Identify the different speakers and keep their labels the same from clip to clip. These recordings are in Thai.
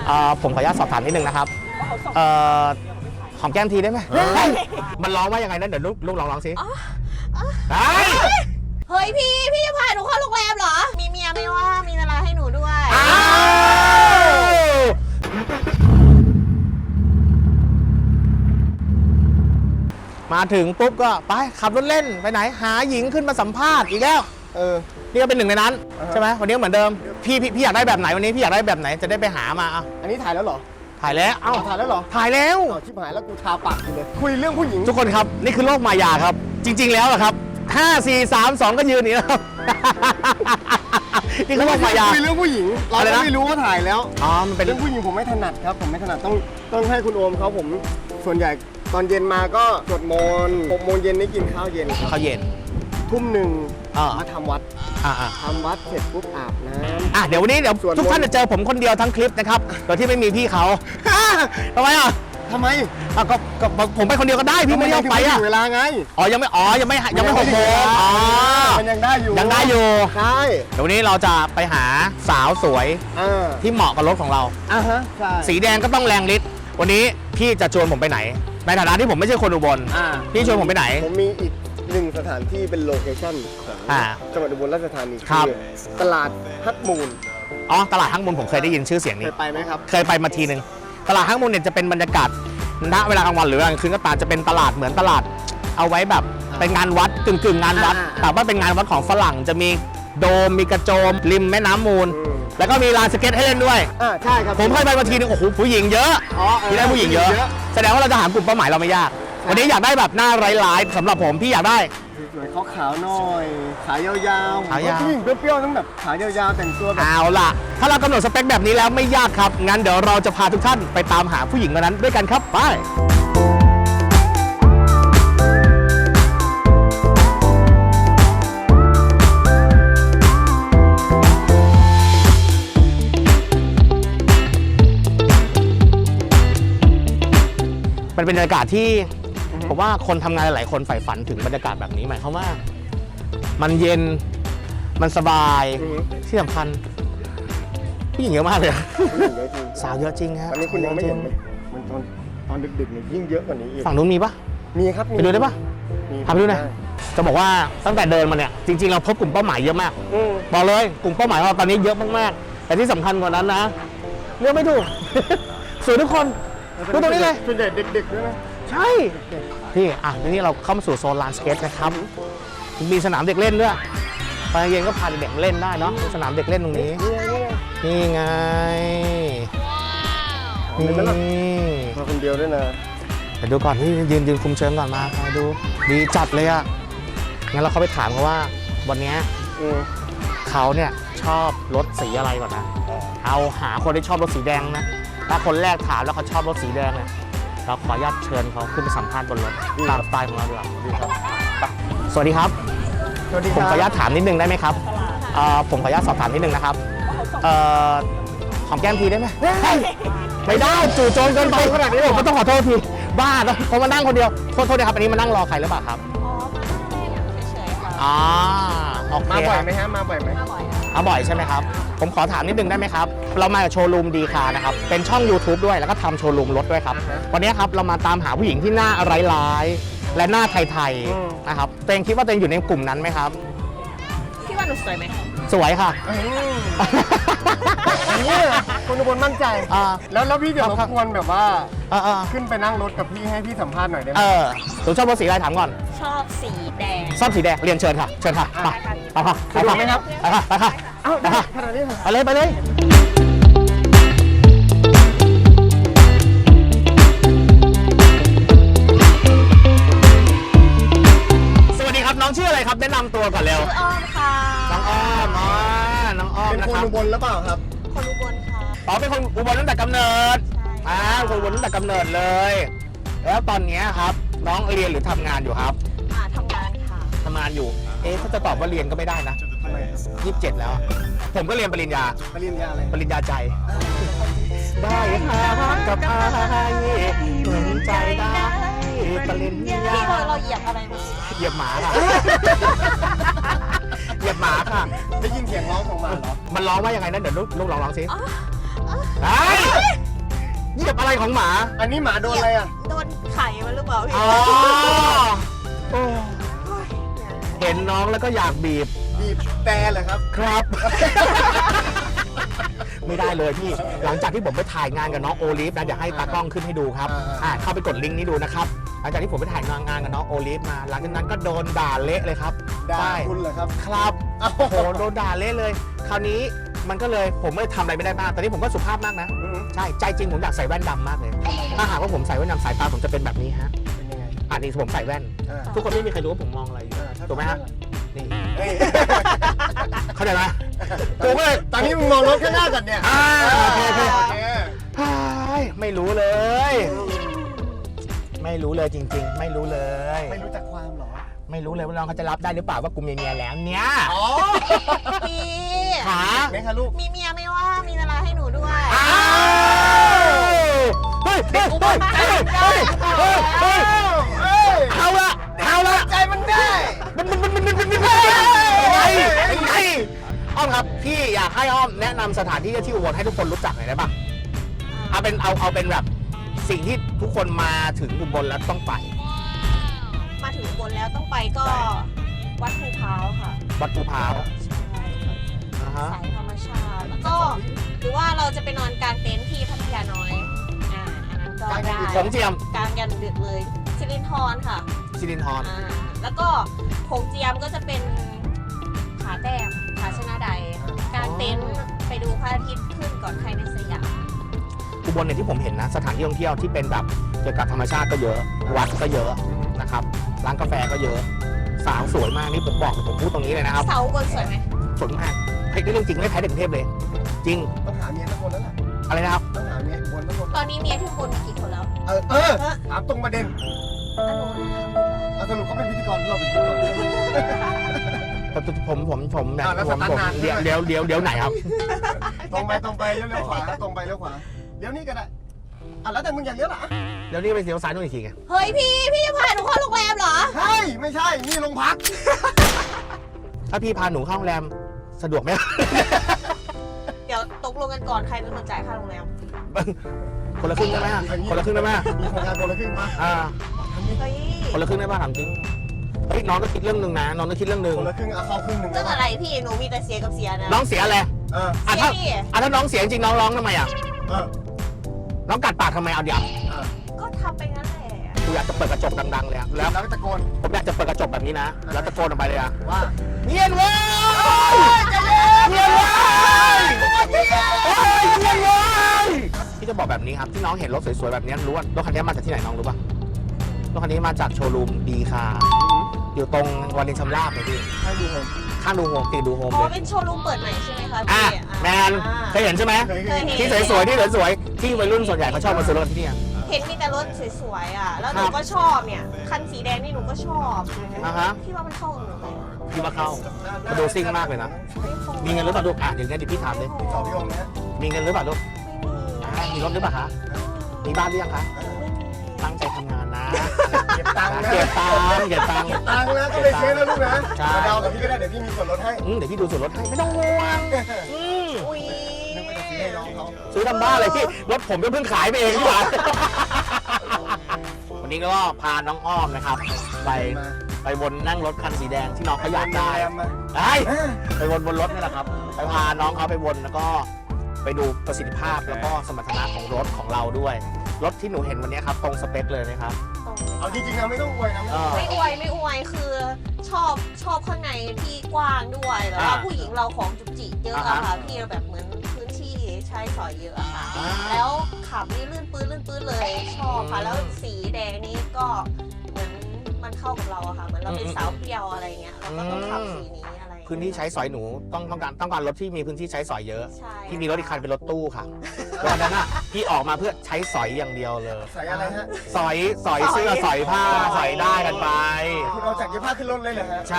Speaker 1: ผมขออนุญาตสอบถามนิดนึงนะครับหอมแก้มทีได้ไหมมันร้องว่ายังไงนั่นเดี๋ยวลูกร้องสิ
Speaker 2: เฮ้ยพี่จะพาหนูเข้าโรงแรมเหรอมีเมียไม่ว่ามีเวลาให้หนูด้วย
Speaker 1: มาถึงปุ๊บก็ไปขับรถเล่นไปไหนหาหญิงขึ้นมาสัมภาษณ์อีกแล้วนี่ก็เป็นหนึ่งในนั้นใช่ไหมวันนี้เหมือนเดิมพี่อยากได้แบบไหนวันนี้พี่อยากได้แบบไหนจะได้ไปหามา
Speaker 3: อันนี้ถ่ายแล้วเหรอ
Speaker 1: ถ่ายแล้ว
Speaker 3: ถ่ายแล้วเหรอ
Speaker 1: ถ่ายแล้ว
Speaker 3: ชิบหายแล้วกูทาปากเลยคุยเรื่องผู้หญิง
Speaker 1: ทุกคนครับนี่คือโลกมายาครับจริงๆแล้วครับ5 4 3 2ก็ยืนนี่แล้วนี่คือโลกมายา
Speaker 3: คุยเรื่องผู้หญิงเราไม่รู้ว่าถ่ายแล้ว
Speaker 1: มันเป็น
Speaker 3: เรื่องผู้หญิงผมไม่ถนัดครับผมไม่ถนัดต้องให้คุณโอมเขาผมส่วนใหญ่ตอนเย็นมาก็สวดมนต์6 โมงเย็นนี่กินข้าวเย็นทุ่มหนึ่งมาทำวัดทำวัดเสร็จปุ๊บอาบน้ำ
Speaker 1: เดี๋ยววันนี้ทุกท่านจะเจอผมคนเดียวทั้งคลิปนะครับโดยที่ไม่มีพี่เขาทำไม
Speaker 3: ทำไม
Speaker 1: ก็ผมไปคนเดียวก็ได้พี่ไม่ยอมไป
Speaker 3: เวลาไง
Speaker 1: ยังไม่6 โมง
Speaker 3: มันยังได้อยู่
Speaker 1: ใช่เดี๋ยววันนี้เราจะไปหาสาวสวยที่เหมาะกับรถของเราสีแดงก็ต้องแรงฤทธิ์วันนี้พี่จะชวนผมไปไหนในฐานะที่ผมไม่ใช่คนอุบลพี่ชวนผมไปไหน
Speaker 3: ผมมีอีก1 สถานที่เป็นโลเคชั่นของจังหวัดอุบลราชธานีคือตลาดฮักมูล
Speaker 1: ตลาดฮักมูลผมเคยได้ยินชื่อเสียงนี้
Speaker 3: เคยไปไหมครับ
Speaker 1: เคยไปมาทีนึงตลาดฮักมูลเนี่ยจะเป็นบรรยากาศณเวลากลางวันหรือกลางคืนก็ตามจะเป็นตลาดเหมือนตลาดเอาไว้แบบเป็นงานวัดกึ่งงานวัดแต่ว่าเป็นงานวัดของฝรั่งจะมีโดมมีกระโจมริมแม่น้ำมูลแล้วก็มีลานสเก็ตให้เล่นด้วย
Speaker 3: ใช่ครับ
Speaker 1: ผมเคยไปมาทีนึงโอ้โหผู้หญิงเยอะที่ได้ผู้หญิงเยอะแสดงว่าเราจะหากลุ่มเป้าหมายเราไม่ยากวันนี้อยากได้แบบหน้าร้ายๆสำหรับผมพี่อยากได้
Speaker 3: สวยขาวๆหน่อยขายาวๆผู้หญิงเปรี้ยวๆต้องแบบขายาวๆแต่งตัวแบบ
Speaker 1: เอาล่ะถ้าเรากำหนดสเปคแบบนี้แล้วไม่ยากครับงั้นเดี๋ยวเราจะพาทุกท่านไปตามหาผู้หญิงคนนั้นด้วยกันครับไปเป็นบรรยากาศที่ผมว่าคนทำงานหลายคนใฝ่ฝันถึงบรรยากาศแบบนี้หมายความว่ามันเย็นมันสบายที่สำคัญผู้หญิงเยอะมากเลยสาวเยอะจริงครับ
Speaker 3: ตอนนี้คุณยังไม่เห็นมันตอนดึกๆเนี่ยยิ่งเยอะกว่านี้อีก
Speaker 1: ฝั่งนู้นมีปะ
Speaker 3: มีครับ
Speaker 1: ไปดูได้ปะพาไปดูหน่อยจะบอกว่าตั้งแต่เดินมาเนี่ยจริงๆเราพบกลุ่มเป้าหมายเยอะมากบอกเลยกลุ่มเป้าหมายของเราตอนนี้เยอะมากๆแต่ที่สำคัญกว่านั้นนะเลือกไม่ถูกสวยทุกคนดูตรงนี้เลย
Speaker 3: ส่วนใหญ่เด็กๆด้วยนะ
Speaker 1: ใช่ที่ทีนี้เราเข้ามาสู่โซนลานสเก็ตนะครับมีสนามเด็กเล่นด้วยตอนเย็นก็พาเด็กเล่นได้เนาะสนามเด็กเล่นตรงนี้นี่ไง
Speaker 3: นี่มาคนเดียวด้วยนะ
Speaker 1: เดี๋ยวดูก่อนที่ยืนคุมเชิงก่อนมาดูดีจัดเลยอ่ะงั้นเราเข้าไปถามเขาว่าวันนี้เขาเนี่ยชอบรถสีอะไรก่อนนะเอาหาคนที่ชอบรถสีแดงนะถ้าคนแรกถามแล้วเขาชอบรถสีแดงเนี่ยเราขออนุญาตเชิญเขาขึ้นไปสัมภาษณ์บนรถตามสไตล์ของเราดีกว่าสวัสดีครับผมขออนุญาตถามนิดนึงได้ไหมครับผมขออนุญาตสอบถามนิดนึงนะครับหอมแก้มทีได้ไหมไม่ได้จู่โจมเกินไปขนาดนี้ผมต้องขอโทษทีบ้าแล้วผมมานั่งคนเดียวโทษนะครับอันนี้มานั่งรอใครหรือเปล่าครับโอเค
Speaker 3: มาบ่อยไหมฮะมาบ่อยไหม
Speaker 1: บ่อยใช่ไหมครับผมขอถามนิดนึงได้ไหมครับเรามาจากโชว์รูมดีคานะครับเป็นช่อง YouTube ด้วยแล้วก็ทำโชว์รูมรถด้วยครับวันนี้ครับเรามาตามหาผู้หญิงที่หน้าร้ายๆและหน้าไทยๆนะครับตัวเองคิดว่าตัวเองอยู่ในกลุ่มนั้นไหมครับ
Speaker 2: พี่ว่าหนูสวยไหม
Speaker 1: สวยค่ะ
Speaker 3: นี่คนอุบลมั่นใจแล้วพี่เดี๋ยวรบกวนแบบว่าขึ้นไปนั่งรถกับพี่ให้พี่สัมภาษณ์หน่อยได้ไหม
Speaker 1: หนูชอบรถสีอะไรถามก่อน
Speaker 2: ชอบสีแดง
Speaker 1: ชอบสีแดงเรียนเชิญค่ะเชิญค่ะไปค่ะ
Speaker 3: ไปไหมครับ
Speaker 1: ไปค่ะ
Speaker 3: เอ้าขนาดนี้
Speaker 1: ไปเลยสวัสดีครับน้องชื่ออะไรครับแนะนำตัวก่อนเร็ว
Speaker 2: อ้อมค่ะ
Speaker 1: น้องอ้อม
Speaker 3: เป็นคนอุบลหรือเปล่าครับ
Speaker 2: คนอุบลค่ะ
Speaker 1: เป็นคนอุบลตั้งแต่กำเนิดคนอุบลตั้งแต่กำเนิดเลยแล้วตอนนี้ครับน้องเรียนหรือทำงานอยู่ครับ
Speaker 2: ทำงานค่ะ
Speaker 1: ทำงานอยู่ถ้าจะตอบว่าเรียนก็ไม่ได้นะ27แล้วผมก็เรียนปริญญา
Speaker 3: อะไร
Speaker 1: ปริญญาใจได้ค่ะกับเหมือนใจได้ปริญญา
Speaker 2: ที่เราเหยียบอะไรมา
Speaker 1: เหยียบหมาค่ะเหยียบหมาค่ะ
Speaker 3: ได้ยินเสียงร้องของหมาเหรอ
Speaker 1: มันร้องว่ายังไงนั่นเดี๋ยวลูกร้องสิอะไรของหมา
Speaker 3: อันนี้หมาโดนอะไรอ่ะ
Speaker 2: โดนไข่มาหรือเปล่าพี่
Speaker 1: อ๋อโอ้
Speaker 2: โอ้ยเนี่ย
Speaker 1: เห็นน้องแล้วก็อยากบีบ
Speaker 3: บีบแต่เหรอครับ
Speaker 1: ครับ ไม่ได้เลยพี่ หลังจากที่ผมไปถ่ายงานกับน้องโอลิฟนะเดี๋ยวให้ตากล้องขึ้นให้ดูครับเข้าไปกดลิงก์นี้ดูนะครับหลังจากที่ผมไปถ่ายงานกับน้องโอลิฟมา หลังจากนั้นก็โดนด่าเละเลยครับ
Speaker 3: ด่า
Speaker 1: ใช่
Speaker 3: คุณเหรอครับ
Speaker 1: ครับโอ้โหโดนด่าเละเลย คราวนี้มันก็เลยผมไม่ทำอะไรไม่ได้มากตอนนี้ผมก็สุภาพมากนะ ใช่ใจจริงผมอยากใส่แว่นดำมากเลย ถ้าหากว่าผมใส่แว่นดำสายตาผมจะเป็นแบบนี้ฮะ
Speaker 3: เป็นยังไง
Speaker 1: นี่ผมใส่แว่น ทุกคนไม่มีใครรู้ว่าผมมองอะไรอยู่ถูกไหมฮะนี่
Speaker 3: เฮ้ย
Speaker 1: เข้าใจไหมกูก็เลย
Speaker 3: ตอนนี้มึงมองรถข้างหน้าก่อนเนี่ย
Speaker 1: โอเค
Speaker 3: โอเค
Speaker 1: ไม่รู้เลย ไม่รู้เลยจริง ๆ ไม่รู้เลย
Speaker 3: ไม่รู้จักความเหรอ
Speaker 1: ไม่รู้เลยว่าน้องเขาจะรับได้หรือเปล่าว่ากูมีเมียแล้วเนี่ย
Speaker 3: อ๋อ
Speaker 2: พี่
Speaker 1: ขา
Speaker 3: ไหมคะลูก
Speaker 2: มีเมียไม่ว่ามีเวลาให้หนูด้วย
Speaker 1: อ้าวเฮ้ยเฮ้ยเฮ้ยเฮ้ยเฮ้ยเฮ้ยเฮ้ย
Speaker 3: เฮ้ย
Speaker 1: เอาละเอาละ
Speaker 3: ใจมันได้
Speaker 1: มันไงอ้อมครับพี่อยากให้อ้อมแนะนำสถานที่ที่อุบลให้ทุกคนรู้จักหน่อยได้ปะเอาเป็นแบบสิ่งที่ทุกคนมาถึงอุบลแล้วต้องไป
Speaker 2: มาถึงอุบนแล้วต้องไปก็วัดภูพร้าวค่ะ
Speaker 1: วัดภูพร้าว
Speaker 2: ใช่
Speaker 1: อ่าฮะ
Speaker 2: สายธรรมชาติ แล้วก็หรือว่าเราจะไปนอนกลางเต็นท์ที่พัทยาน้อยอันนั้นก็ได้
Speaker 1: ของเจียม
Speaker 2: กลางยันดึกเลยสิรินธรค่ะ
Speaker 1: สิรินธร
Speaker 2: แล้วก็โขงเจียมก็จะเป็นผาแต้มผาชนะใดกลางเต็นท์ไปดูพระอาทิตย์ขึ้นก่อนใครในสยาม
Speaker 1: อุบลเนี่ยที่ผมเห็นนะสถานที่ท่องเที่ยวที่เป็นแบบเกี่ยวกับธรรมชาติก็เยอะ วัดก็เยอะนะครับร้านกาแฟก็เยอะ สาวสวยมากนี่ผมบอกผมพูดตรงนี้เลยนะครับ
Speaker 2: เสาบนสวยไหม
Speaker 1: สวยมากเฮ้ยนี่เรื่องจริงไม่แพ้เด็กกรุงเทพเลย จริง
Speaker 3: ต้องหาเมียทั้งคนแล้วล่ะ
Speaker 1: อะไรนะครับ
Speaker 3: ต้องหาเมียบนทั้งคน
Speaker 2: ตอนนี้เมียที่บนมีกี่คนแล้ว
Speaker 3: ถามตรงประเด็น
Speaker 2: อันนู้น
Speaker 3: เอาสรุปเขาเป็นพิธีกรเราเป็นพิธีกร
Speaker 1: ผมเนี่ย
Speaker 3: แล้ว
Speaker 1: ผ
Speaker 3: ส
Speaker 1: ม
Speaker 3: ตาร์ทนาน
Speaker 1: เดี๋ยวไหนครับ
Speaker 3: ตรงไปเลี้ยวขวาตรงไปเลี้ยวขวาเลี้ยวนี่ก็ได้แล้วแต่มึงอยากเลี้ยวล่ะ
Speaker 1: เดี๋ยวนี้ไปเสียวซ้ายนู่นอีกทีไง
Speaker 2: เฮ้ยพี่จะพาหนูเข้าโรงแรมเหรอ
Speaker 3: ใช่ไม่ใช่นี่โรงพัก
Speaker 1: ถ้าพี่พาหนูเข้าโรงแรมสะดวกไหม
Speaker 2: เดี๋ยวตกลงกันก่อนใครเป็นคนจ่ายค่าโรงแรม
Speaker 1: คนละครึ่งได้ไหมคนละครึ่งได้ไหม
Speaker 3: มีโครงการคนละครึ่งปะ
Speaker 2: เฮ้ย
Speaker 1: คนละครึ่งได้ป่ะถามจริงเฮ้ยน้องก็คิดเรื่องหนึ่งนะน้องก็คิดเรื่องหนึ่ง
Speaker 3: คนละครึ่งเอาเข้าครึ่งหนึ่ง
Speaker 2: เรื่องอะไรพี่หนูมีแต่เสียกับเสียนะ
Speaker 1: น้องเสียอะไร
Speaker 2: เสียพี่
Speaker 1: ถ้าน้องเสียจริงน้องร้องทำไมอ่ะ
Speaker 3: เออ
Speaker 1: น้องกัดปากทำไมเอาเดี๋ยว
Speaker 2: ก็ทำไปงั้นแหละ
Speaker 1: กูอยากจะเปิดกระจกดังๆเลยอะแล้ว
Speaker 3: แล้วตะโกน
Speaker 1: ผมอยากจะเปิดกระจกแบบนี้นะแล้วตะโกนออกไปเลยอะ
Speaker 3: ว่า
Speaker 1: เงียบเว้ยเงียบเว้ยเงียบเว้ยพี่จะบอกแบบนี้ครับที่น้องเห็นรถสวยๆแบบนี้รู้ว่ารถคันนี้มาจากที่ไหนน้องรู้ป่ะรถคันนี้มาจากโชว์รูมดีคาอยู่ตรงวารินชำราบเลยพี่
Speaker 3: ให้ดูผม
Speaker 1: ข้างดูโฮมตีดูโฮม
Speaker 2: อ๋อ
Speaker 1: เลย
Speaker 2: เป็นโชว์รูมเปิดใหม่ใช่ไหมคะพี่
Speaker 1: แมนเคยเห็นใช่ไหม
Speaker 3: เคยเห็น
Speaker 1: ที่สวยๆที่สวยๆที่วัยรุ่นส่วนใหญ่เขาชอบมาซื้อรถที่นี่
Speaker 2: เห็นมีแต่รถสวยๆอ่ะ แล้วหนูก็ชอบเนี่ย คันสีแดงนี่หนูก็ชอบ พี่ว่ามันเข้ากับหนูไหม
Speaker 1: พี่มาเข้ามาดูซิ่งมากเลยนะมีเงินหรือเปล่าลูกเดี๋ยวนี้พี่ถามเลย
Speaker 3: สอบพี่องค์นะ
Speaker 1: มีเงินหรือเปล่าลูกมีรถหรือเปล่าคะมีบ้านหรือยังคะตั้งใจทำงานนะ
Speaker 3: เก็บตังค์นะ
Speaker 1: เก็บตังค์
Speaker 3: ตังค์นะก็ไปเช็คนะลูกนะ
Speaker 1: ใช่
Speaker 3: มาเดากับพี่ก็ได้เดี๋ยวพี่มีส่วนลดให้
Speaker 1: เดี๋ยวพี่ดูส่วนลดให้ไม่ต้องห่วง
Speaker 2: อุ้ย
Speaker 3: นึกว่าจะซื้อให้น้องเขา
Speaker 1: ซื้อทำบ้าเลยพี่รถผมก็เพิ่งขายไปเองดีกว่าวันนี้ก็พาน้องอ้อมนะครับไปวนนั่งรถคันสีแดงที่น้องเขาอยากได้ไปวนบนรถนี่แหละครับไปพาน้องเขาไปวนแล้วก็ไปดูประสิทธิภาพแล้วก็สมรรถนะของรถของเราด้วยรถที่หนูเห็นวันนี้ครับตรงสเปคเลยนะครับ
Speaker 3: เอาจริงๆนะไม่ต้องอวยนะ
Speaker 2: ไม่อวยคือชอบข้างในที่กว้างด้วยแล้วผู้หญิงเราของจุกจิเยอะอะค่ะพี่แบบเหมือนพื้นที่ใช้สอยเยอะอะค่ะแล้วขับนี่ลื่นปื้นเลยชอบค่ะแล้วสีแดงนี่ก็เหมือนมันเข้ากับเราอะค่ะเหมือนเราเป็นสาวเปรี้ยวอะไรเงี้ยเราก็ต้องขับสีนี้อะไร
Speaker 1: พื้นที่ใช้สอยหนูต้องการรถที่มีพื้นที่ใช้สอยเยอะ
Speaker 2: ใช่
Speaker 1: พี่มีรถอีกคันเป็นรถตู้ค่ะวันนั้นอ่ะพี่ออกมาเพื่อใช้สอยอย่างเดียวเลย
Speaker 3: ใส่อะไรฮะ
Speaker 1: สอยเสื้อสอยผ้าสอยได้กันไป
Speaker 3: คุณเอาจากเย็บผ้าขึ้นรถเลยเหรอฮะ
Speaker 1: ใช่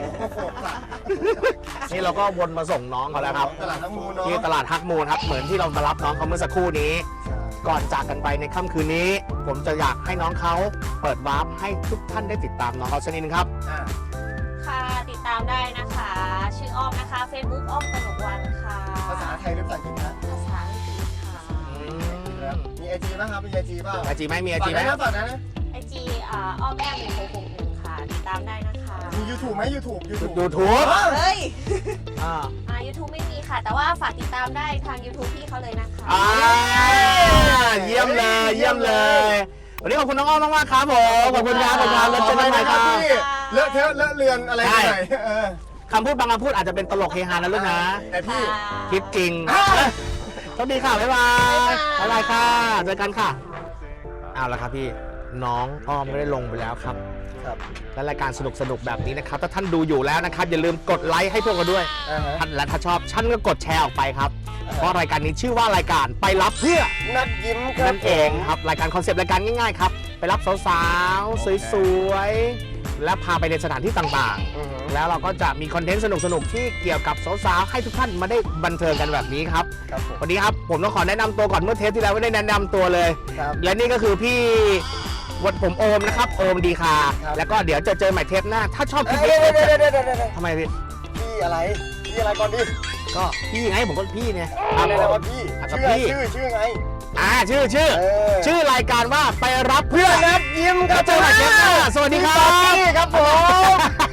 Speaker 1: นี่เราก็วนมาส่งน้องเขาแล้วครับ
Speaker 3: ตลาดน้ำมูลเนาะ
Speaker 1: ที่ตลาดฮักมูลครับเหมือนที่เรามารับน้องเขาเมื่อสักครู่นี้ ก่อนจากกันไปในค่ำคืนนี้ ผมจะอยากให้น้องเขาเปิดวาร์ปให้ทุกท่านได้ติดตามน้องเขาสักนิดนึงครับ
Speaker 2: ค่ะติดตามได้นะคะ ชื่ออ้อมนะคะ Facebook อ้อมกนกวันค่ะ
Speaker 3: ภาษาไทยหรือภาษาอังกฤษฮะ
Speaker 2: ภาษาอังกฤษค่ะ
Speaker 3: มี IG ป่ะครับมี IG ป่ะ
Speaker 1: ไอจีไหมมีไอจีไหม
Speaker 3: ฝากนะ
Speaker 2: ไอจีอ้อมแอม1661ค่ะติดตามได้นะคะ
Speaker 3: มี YouTube ไหม YouTube
Speaker 1: ยูทูบ
Speaker 2: เฮ้ย
Speaker 1: อ่า
Speaker 2: YouTube ไม่มีค่ะ แต่ว่าฝากติดตามได้ทาง YouTube พี่เขาเลยนะคะ
Speaker 1: เยี่ยมเลยเยี่ยมเลยวันนี้ขอบคุณน้องอ้อมมากๆครับผมขอบคุณครับขอบคุณครับแล้วเจอกันใหม่ครับ
Speaker 3: พี่เลอะเทอะเลอะเลือนอะไรไปหน่อย
Speaker 1: คำพูดบางคำพูดอาจจะเป็นตลกเฮฮานะลูกนะ
Speaker 3: แต่พี่
Speaker 1: คิดจริงสวัสดีค่ะ บ๊ายบาย บ๊ายบายค่ะ เจอกันค่ะ เอาละครับพี่ น้องอ้อมก็ได้ลงไปแล้วครับ
Speaker 3: ครับ
Speaker 1: และรายการสนุกๆแบบนี้นะครับ ถ้าท่านดูอยู่แล้วนะครับ อย่าลืมกดไลค์ให้พวกเราด้วยท่านและถ้าชอบท่านก็กดแชร์ออกไปครับ เพราะรายการนี้ชื่อว่ารายการไปรับเพื่อ
Speaker 3: นัดยิ้มครับ
Speaker 1: นั่นเองครับ รายการคอนเซปต์รายการง่ายๆครับ ไปรับสาวๆ สวยๆ และพาไปในสถานที่ต่างๆ แล้วเราก็จะมีคอนเทนต์สนุกๆ ที่เกี่ยวกับสาวๆ ให้ทุกท่านมาได้บันเทิงกันแบบนี้ครับ
Speaker 3: ครับผม
Speaker 1: วันนี้ครับผมต้องขอแนะนำตัวก่อนเมื่อเทปที่แล้วไม่ได้แนะนำตัวเลย
Speaker 3: ครับ
Speaker 1: และนี่ก็คือพี่วัดผมโอมนะครับ โอมดีคา
Speaker 3: ครับ
Speaker 1: แล้วก็เดี๋ยวจะเจอใหม่เทปหน้า ถ้าชอบคลิป
Speaker 3: เดี๋
Speaker 1: นี้
Speaker 3: ยว
Speaker 1: ทำไมพี่
Speaker 3: พี่อะไรก่อนดิ
Speaker 1: ก็พี่ไงผมก็พี่เนี่ย
Speaker 3: อะไรนะว่าพี่
Speaker 1: กับพี่
Speaker 3: ชื่อไง
Speaker 1: ชื่อรายการว่าไปรับเพื่อน
Speaker 3: นัดยิ้มค
Speaker 1: แล้
Speaker 3: รั
Speaker 1: ว
Speaker 3: บ
Speaker 1: เจอใหม่เทปหน้าสวัสดีครั
Speaker 3: พี่
Speaker 1: บ
Speaker 3: ครับผม